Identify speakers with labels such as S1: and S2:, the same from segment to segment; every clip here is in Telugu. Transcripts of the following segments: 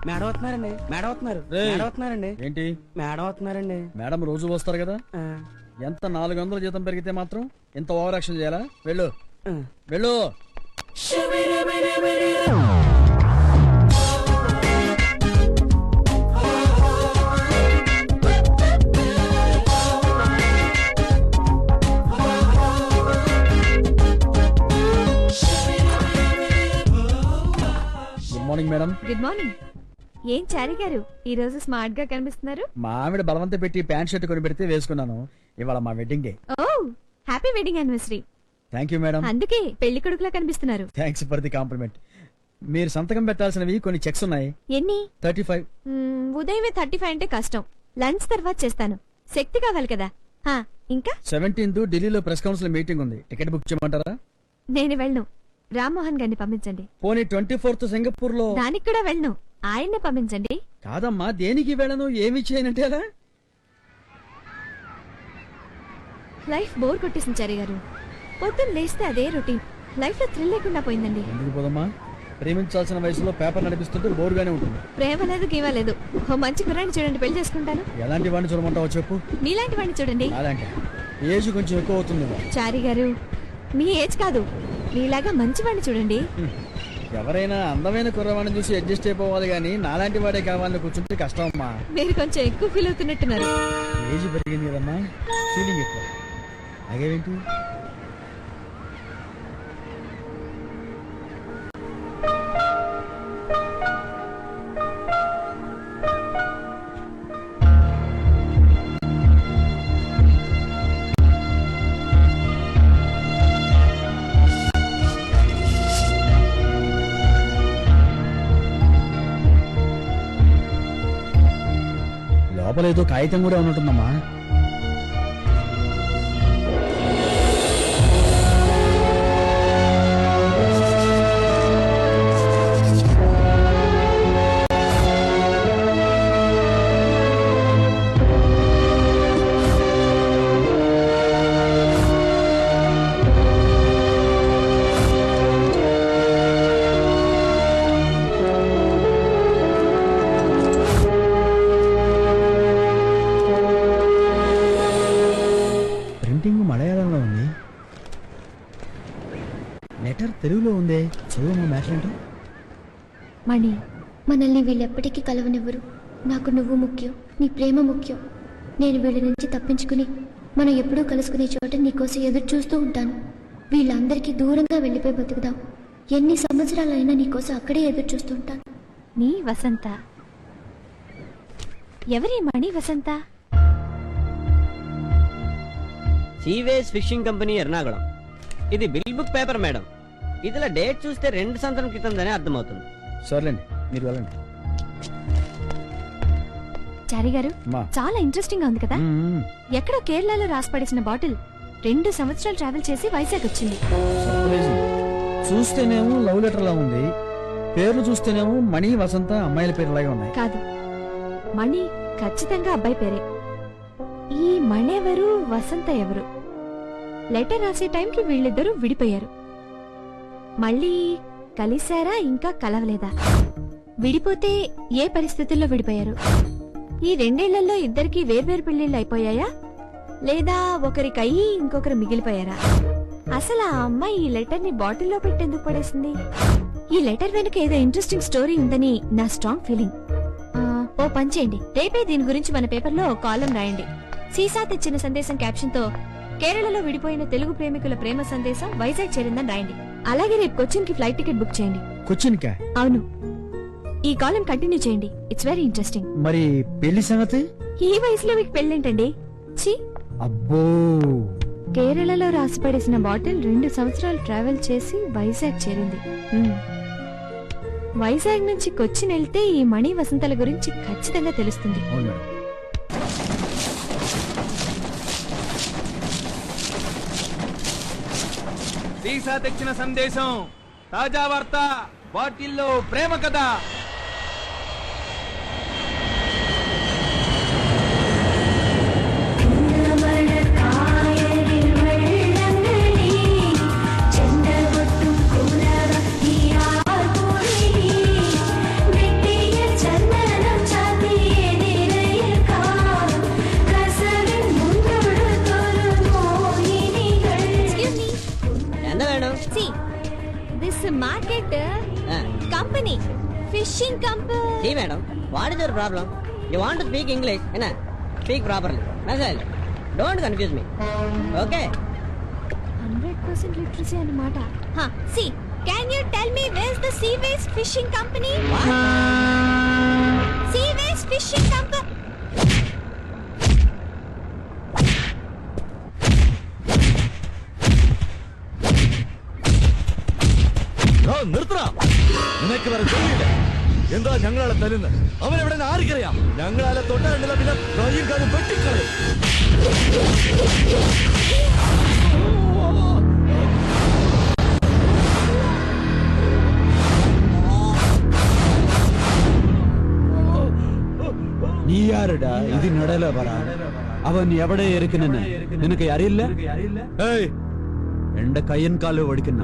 S1: మేడం వస్తున్నారండి. మేడం వస్తున్నారు. మేడం వస్తున్నారండి.
S2: ఏంటి
S1: మేడం వస్తున్నారండి.
S2: మేడం రోజు వస్తారు కదా. ఎంత 400 జీతం పెరిగితే మాత్రం ఇంత ఓవర్ యాక్షన్ చేయాలా? వెళ్ళు వెళ్ళు. Good morning madam.
S3: Good morning. ఏం చారి గారు ఈ రోజు స్మార్ట్ గా కనిపిస్తున్నారు?
S2: మా ఆవిడ బలవంత పెట్టి ప్యాంట్ షర్ట్ కొని పెడితే వేసుకున్నాను. ఇవాళ మా wedding day.
S3: Oh happy wedding anniversary.
S2: Thank you madam.
S3: అందుకే పెళ్లి కొడుకులా కనిపిస్తున్నారు.
S2: Thanks for the compliment. మీరు సంతకం పెట్టాల్సినవి కొన్ని చెక్స్ ఉన్నాయి.
S3: ఎన్ని?
S2: 35.
S3: ఉదయమే 35 అంటే కష్టం. లంచ్ తర్వాత చేస్తాను. శక్తి కావాలి కదా. ఇంకా
S2: 17th ఢిల్లీలో ప్రెస్ కౌన్సిల్ మీటింగ్ ఉంది. టికెట్ బుక్ చేయమంటారా?
S3: నేను వెళ్ళను. రామ్మోహన్ గారిని పంపించండి.
S2: పోనీ 24th సింగపూర్ లో.
S3: దానికి కూడా వెళ్ళను. ఆయన్నే పంపించండి.
S2: కాదమ్మా, దేనికి వెళ్ళను, ఏమి చేయనంటే అలా.
S3: లైఫ్ బోర్ కొట్టేసింది చారి గారు. పొద్దున్న లేస్తే అదే రొటీన్. లైఫ్ లో థ్రిల్ లేకుండా పోయిందండి.
S2: ఎందుకు పోదమ్మా? ప్రేమించాల్సిన వయసులో పేపర్ నడిపిస్తుంటే బోర్గానే ఉంటుంది.
S3: ప్రేమ లేదు గీవా లేదు. ఓ మంచి కుర్రాన్ని చూడండి, పెళ్లి చేసుకుంటాను.
S2: ఎలాంటి వాడిని చూడమంటావో చెప్పు.
S3: మీలాంటి వాడిని చూడండి.
S2: అలాంటి ఏజ్ కొంచెం ఎక్కువ అవుతుంది.
S3: చారి గారు మీ ఏజ్ కాదు, మీలాగా మంచి వాడిని చూడండి.
S2: ఎవరైనా అందమైన కుర్రవాడిని చూసి అడ్జస్ట్ అయిపోవాలి గానీ నాలాంటి వాడే కావాలని కూర్చుంటే కష్టం అమ్మా.
S3: మీరు కొంచెం ఎక్కువ ఫీల్ అవుతున్నట్టున్నారు.
S2: ఏజ్ పెరిగింది కదమ్మా, ఫీలింగ్ ఎక్కువ. అగేంటి? లోపల ఏదో కాగితం కూడా ఉన్నట్టుందమ్మా. మలయాళంలో ఉంది, లెటర్ తెలుగులో ఉంది. చదువు మ్యాటర్ ఏంటో.
S3: మణి,
S4: మనల్ని వీళ్ళెప్పటికీ కలవనివ్వరు. నాకు నువ్వు ముఖ్యం, నీ ప్రేమ ముఖ్యం. నేను వీళ్ళ నుంచి తప్పించుకుని మనం ఎప్పుడూ కలుసుకునే చోట నీకోసం ఎదురు చూస్తూ ఉంటాను. వీళ్ళందరికీ దూరంగా వెళ్ళిపోయి బతుకుదాం. ఎన్ని సంవత్సరాలైనా నీకోసం అక్కడే ఎదురు చూస్తూ ఉంటాను.
S3: నీ వసంత. ఎవరి Mani Vasantha?
S1: Sewage fishing company Ernakulam. ఇది బిల్ బుక్ పేపర్ మేడం. ఇదిలా డేట్ చూస్తే 2 సంవత్సరం క్రితందనే అర్థమవుతుంది.
S2: సర్లేండి, మీరు వెళ్ళండి.
S3: చారి గారు చాలా ఇంట్రెస్టింగ్ గా ఉంది కదా. ఎక్కడో కేరళలో రాసి పడేసిన బాటిల్ 2 సంవత్సరాలు ట్రావెల్ చేసి వైజాగ్ వచ్చింది.
S2: చూస్తేనేమో లవ్ లెటర్ లా ఉంది, పేర్లు చూస్తేనేమో మణి వసంత అమ్మాయిల పేర్లాగే ఉన్నాయి.
S3: కాదు, మణి ఖచ్చితంగా అబ్బాయి పేరే. ఈ మణెవరు, వసంత ఎవరు? లెటర్ రాసే టైంకి వీళ్ళిద్దరూ విడిపోయారు. మళ్ళీ కలిశారా, ఇంకా కలవలేదా? విడిపోతే ఏ పరిస్థితుల్లో విడిపోయారు? ఈ 2 ఏళ్లలో ఇద్దరికి వేర్వేరు పెళ్లిళ్ళు అయిపోయాయా, లేదా ఒకరికి అయ్యి ఇంకొకరు మిగిలిపోయారా? అసలు ఆ అమ్మాయి ఈ లెటర్ ని బాటిల్లో పెట్టేందుకు పడేసింది? ఈ లెటర్ వెనుక ఏదో ఇంట్రెస్టింగ్ స్టోరీ ఉందని నా స్ట్రాంగ్ ఫీలింగ్. ఓ పని చేయండి, రేపే దీని గురించి మన పేపర్లో కాలం రాయండి. సీసా తెచ్చిన సందేశం క్యాప్షన్ తో కేరళలో విడిపోయిన తెలుగు ప్రేమికుల ప్రేమ సందేశం వైజాగ్ చేరిందని రాయండి. అలాగే రేపు కొచ్చిన్ కి ఫ్లైట్ టికెట్ బుక్ చేయండి.
S2: కొచ్చిన్ కా?
S3: అవును. ఈ కాలం కంటిన్యూ చేయండి, ఇట్స్ వెరీ ఇంట్రెస్టింగ్.
S2: మరి పెళ్లి సంగతి?
S3: ఈ వయసులో మీకు పెళ్ళేంటండి? ఛీ!
S2: అబ్బో,
S3: కేరళలో రాసి పడేసిన బాటిల్ 2 సంవత్సరాలు ట్రావెల్ చేసి వైజాగ్ చేరింది. వైజాగ్ నుంచి కొచ్చిన్ వెళ్తే ఈ మణి వసంతల గురించి ఖచ్చితంగా తెలుస్తుంది.
S5: సీసా తెచ్చిన సందేశం, తాజా వార్త, బాటిల్లో ప్రేమ కథ.
S4: చంద్రగొట్టు కూరగా ఈ ఆర్పూరి వెట్టియ చల్ల
S1: madam
S3: See, this market company, fishing company.
S1: Madam what is your problem? You want to speak English ఏనా? Speak properly. Message don't confuse me. Okay
S3: 100% literacy అన్నమాట. See, can you tell me where's the Seaways Fishing Company? Seaways Fishing Company.
S6: നിർത്തടാ. നിനക്ക് വേറെ ജോലിയില്ല. എന്താ ഞങ്ങളെ തരുന്നത്? അവൻ എവിടെ ആർക്കറിയാം? ഞങ്ങളെ തൊട്ടാണ്ടില്ല പിന്നെ കൈയും കാലും വെട്ടിക്കളയും.
S7: നീ ആരടാ ഇതിനിടയില പറ അവൻ എവിടെ ഇരിക്കുന്നെന്ന് നിനക്ക് അറിയില്ല
S6: ഏയ്
S7: എന്റെ കയ്യൻ കാല് ഓടിക്കുന്ന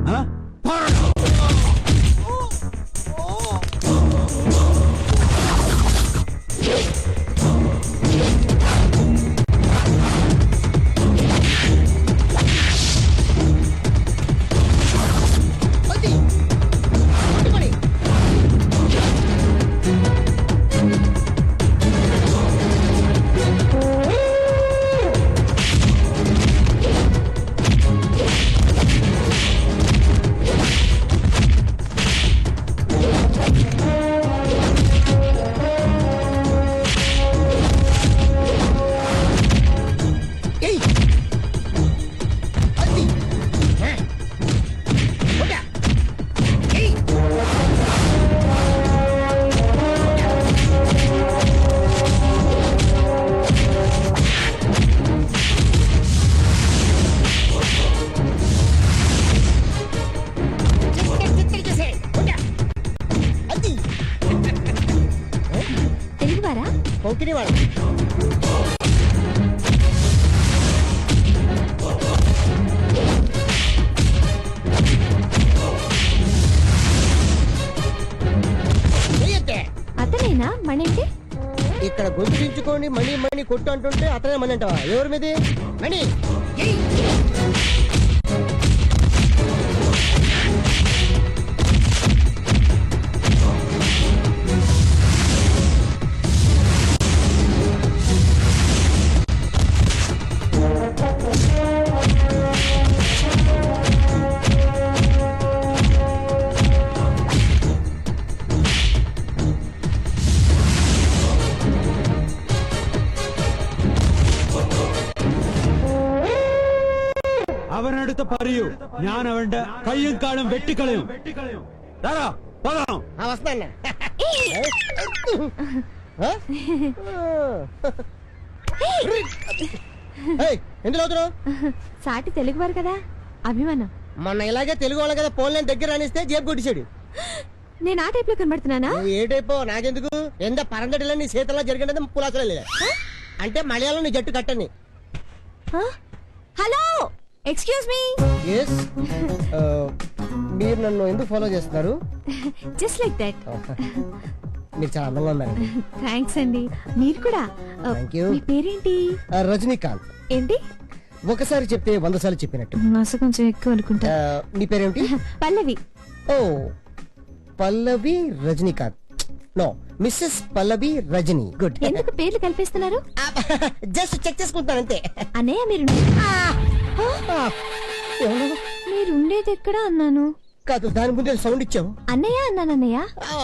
S3: తెలుగువారా?
S1: కొంకిని వాడు
S3: అతనేనా మణి?
S1: ఇక్కడ గొంతు దించుకొని మణి మణి కొట్టు అంటుంటే అతనే మణి అంటావా? ఎవరి మీది మణి?
S7: അവനടുത്ത് പറയൂ ഞാൻ അവന്റെ കയ്യും കാലും വെട്ടിക്കളയും
S1: వస్తాను. ఎందులో అవుతున్నావు?
S3: సాటి తెలుగువారు కదా, అభిమానం.
S1: మొన్న ఇలాగే తెలుగు వాళ్ళ కదా ఫోన్ లైన్ దగ్గర అనిస్తే జేబు కొట్టించాడు.
S3: నేను ఆ టైప్ లో కనబడుతున్నానా?
S1: నువ్వు ఏ టైపో నాకెందుకు? ఎంత పరంగటిలో నీ చేతల్లో జరిగినది పులాసలో లేదా అంటే మలయాళం నీ జట్టు కట్టని.
S3: Hello, excuse me.
S1: మీరు నన్ను ఎందుకు ఫాలో చేస్తున్నారు?
S3: Just like that.
S1: మీరు చాలా అందంగా ఉన్నారు.
S3: థ్యాంక్స్ అండి. మీరు కూడా.
S1: Thank you.
S3: మీ పేరేంటి?
S1: రజనీకాంత్.
S3: ఏంటి?
S1: ఒకసారి చెప్తే 100 సార్లు చెప్పినట్టు.
S3: మాస కొంచెం ఎక్కువ అనుకుంటా.
S1: నీ పేరేమిటి?
S3: పల్లవి.
S1: ఓ Pallavi Rajinikanth. No, Mrs Pallavi Rajini. Good.
S3: ఎందుకు పేర్లు కల్పిస్తున్నారు?
S1: జస్ట్ చెక్ చేసుకుంటాను అంతే.
S3: అన్నయ్య మీరు మీరు ఉండేది ఎక్కడ అన్నాను?
S1: కాదు, దాని ముందే సౌండ్ ఇచ్చావు.
S3: అన్నయ్య అన్నాను. అన్నయ్య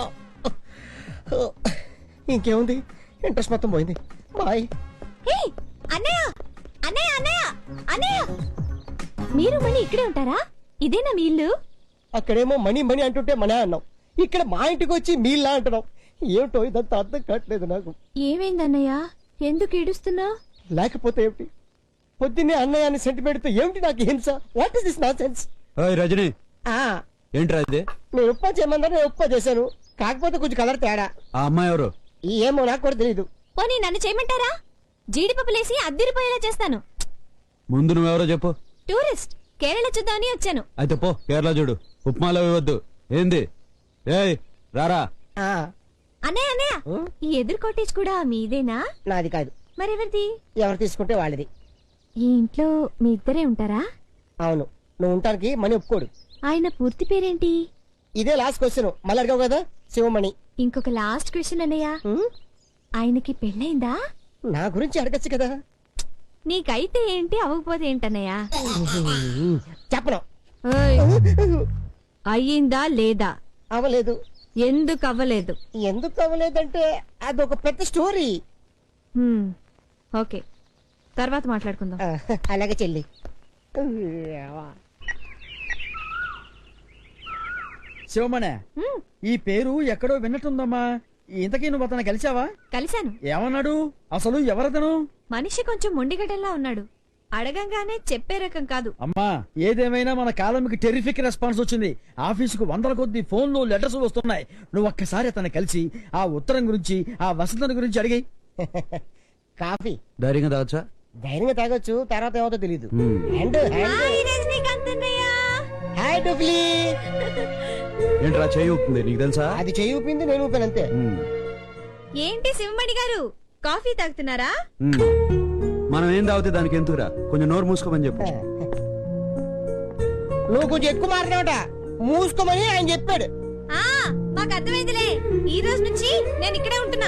S1: ఇంకేముంది, ఇంట్రెస్ట్ మొత్తం పోయింది. బాయ్.
S3: అన్నయ్య అన్నయ్య అన్నయ్య అన్నయ్య మీరు మళ్ళీ ఇక్కడే ఉంటారా? ఇదేనా మీ ఇల్లు?
S1: అక్కడేమో మణి మణి అంటుంటే మనే అన్నావు, ఇక్కడ మా ఇంటికి వచ్చి మీల్లా అంటున్నావు. ఏమిటో ఇదంతా అర్థం కావట్లేదు నాకు.
S3: ఏమైంది అన్నయ్య? ఎందుకు ఏడుస్తున్నావు?
S1: లేకపోతే ఏమిటి, పొద్దున్నే అన్నయ్య అని సెంటిమెంట్ తో ఏమిటి నాకు హింస? What is this nonsense?
S7: Rajini ఏంట్రా ఇది?
S1: నేను ఉప్పా చేయమన్నారు, నేను ఉప్పా చేశాను. కాకపోతే కొంచెం కలర్ తేడా.
S7: ఆ అమ్మాయి ఎవరు?
S1: ఏమో నాకు కూడా తెలీదు.
S3: పోనీ నన్ను చేయమంటారా? జీడిపప్పులేసి అద్దిరిపోయేలా చేస్తాను.
S7: ముందు నువ్వెవరో చెప్పు.
S3: టూరిస్ట్, కేరళ చూద్దామని వచ్చాను.
S7: అయితే పో కేరళ చూడు. ఉప్మాలో ఇవ్వద్దు. ఏంది? ఏయ్ రారా.
S3: అన్నయ్య అన్నయ్య, ఈ ఎదురు కాటేజ్ కూడా మీదేనా?
S1: నాది కాదు.
S3: మరెవరిది?
S1: ఎవరు తీసుకుంటే వాళ్ళది.
S3: ఈ ఇంట్లో మీ ఇద్దరే ఉంటారా?
S1: అవును.
S8: నువ్వు ఉంటానికి మనీ ఒప్పుకోడు.
S3: ఆయన పూర్తి పేరేంటి?
S8: ఇదే లాస్ట్ క్వశ్చన్, మళ్ళీ అడిగావు కదా, శివమణి.
S3: ఇంకొక లాస్ట్ క్వశ్చన్ అన్నయ్య,
S8: ఉమ్,
S3: ఆయనకి పెళ్ళైందా?
S8: నా గురించి అడగచ్చు కదా.
S3: నీకైతే ఏంటి, అవ్వకపోతే ఏంటన్నయ్య?
S8: చెప్పను.
S3: ఓయ్, అయ్యిందా లేదా?
S8: అవ్వలేదు.
S3: ఎందుకు అవ్వలేదు?
S8: ఎందుకు అవ్వలేదంటే అదొక పెద్ద స్టోరీ.
S3: హ్మ్, ఓకే, తర్వాత మాట్లాడుకుందాం.
S8: అలాగే చెల్లి.
S2: శివమణి,
S3: హ్మ్,
S2: ఈ పేరు ఎక్కడో విన్నట్టుందమ్మా. ఇంతకీ నువ్వు అతను కలిసావా?
S3: కలిశాను.
S2: ఏమన్నాడు? అసలు ఎవరతను?
S3: మనిషి కొంచెం మొండిగడల్లా ఉన్నాడు. అడగంగానే చెప్పే రకం కాదు.
S2: అమ్మా, ఏదేమైనా మన కాలంకి టెరిఫిక్ రెస్పాన్స్ వచ్చింది. ఆఫీసుకు వందల కొద్ది ఫోన్లు, లెటర్స్ వస్తున్నాయి. నువ్వు ఒక్కసారి అతన్ని కలిసి ఆ ఉత్తరం గురించి, ఆ వసంతం గురించి అడిగి.
S8: కాఫీ
S7: ధైర్యంగా తాగొచ్చా?
S8: ధైర్యంగా తాగొచ్చు, తర్వాత ఏమవుతో తెలీదు.
S7: మ్మ్.
S8: హ్యాండ్
S3: హాయ్ రజనీకాంత్ అన్నయ్య.
S8: హాయ్ డూప్లీ.
S7: ఏంట్రా చేయి ఊపుతుంది, నీకు తెలుసా?
S8: అది చేయి ఊపింది, నేను ఊపాను అంతే.
S7: మ్మ్.
S3: ఏంటి శివమణి గారు, కాఫీ తాగుతున్నారా?
S7: మ్మ్. మనం ఏం తాగితే దానికి ఎందుకురా? కొంచెం నోరు మూసుకోమని చెప్పు.
S8: నువ్వు కొంచెం ఎక్కువ మాట్లాడట, మూసుకోమని ఆయన చెప్పాడు.
S3: ఆ, మాకు అర్థమైందిలే. ఈ రోజు నుంచి నేను ఇక్కడే ఉంటున్నా.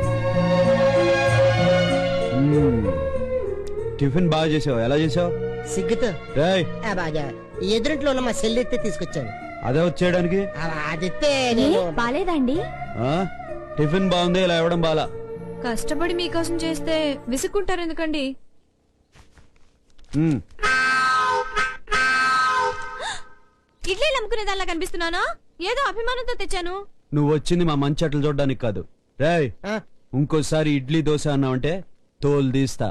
S7: మ్మ్. టిఫిన్ బాగా చేసావు. ఎలా చేసావు?
S8: సిగ్గుతో
S7: రేయ్,
S8: బాగా ఎదురింట్లో ఉన్న మా సెల్ ఎత్తే తీసుకొచ్చాను.
S7: అదే వచ్చేయడానికి.
S8: అదిస్తే
S3: ఏ,
S8: నేను
S3: బాలేదండి?
S7: ఆ? టిఫిన్ బాగుంది, ఇలా ఇవ్వడం బాలా.
S3: కష్టపడి మీకోసం చేస్తే విసుక్కుంటారు ఎందుకండి?
S7: మ్మ్.
S3: ఇడ్లీలు అమ్ముకునే దానిలా కనిపిస్తున్నానా? ఏదో అభిమానంతో తెచ్చాను.
S7: నువ్వు వచ్చింది మా మంచి అట్లు చూడడానికి కాదు. రేయ్,
S8: ఆ,
S7: ఇంకోసారి ఇడ్లీ దోశ అన్నావంటే తోలు తీస్తా.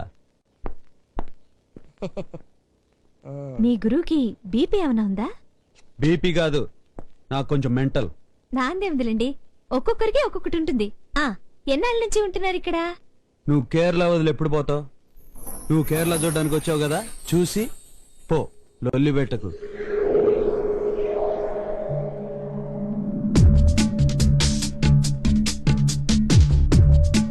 S3: మీ గురువుకి బీపీ ఏమైనా ఉందా?
S7: బీపీ కాదు, నాకు కొంచెం మెంటల్.
S3: నాందేముందిలేండి, ఒక్కొక్కరికి ఒక్కొక్కటి ఉంటుంది. ఆ, ఎన్నాళ్ళ నుంచి ఉంటున్నారు ఇక్కడ?
S7: నువ్వు కేరళ వదిలి ఎప్పుడు పోతావు? నువ్వు కేరళ చూడడానికి వచ్చావు కదా, చూసి పో, లొల్లి పెట్టకు.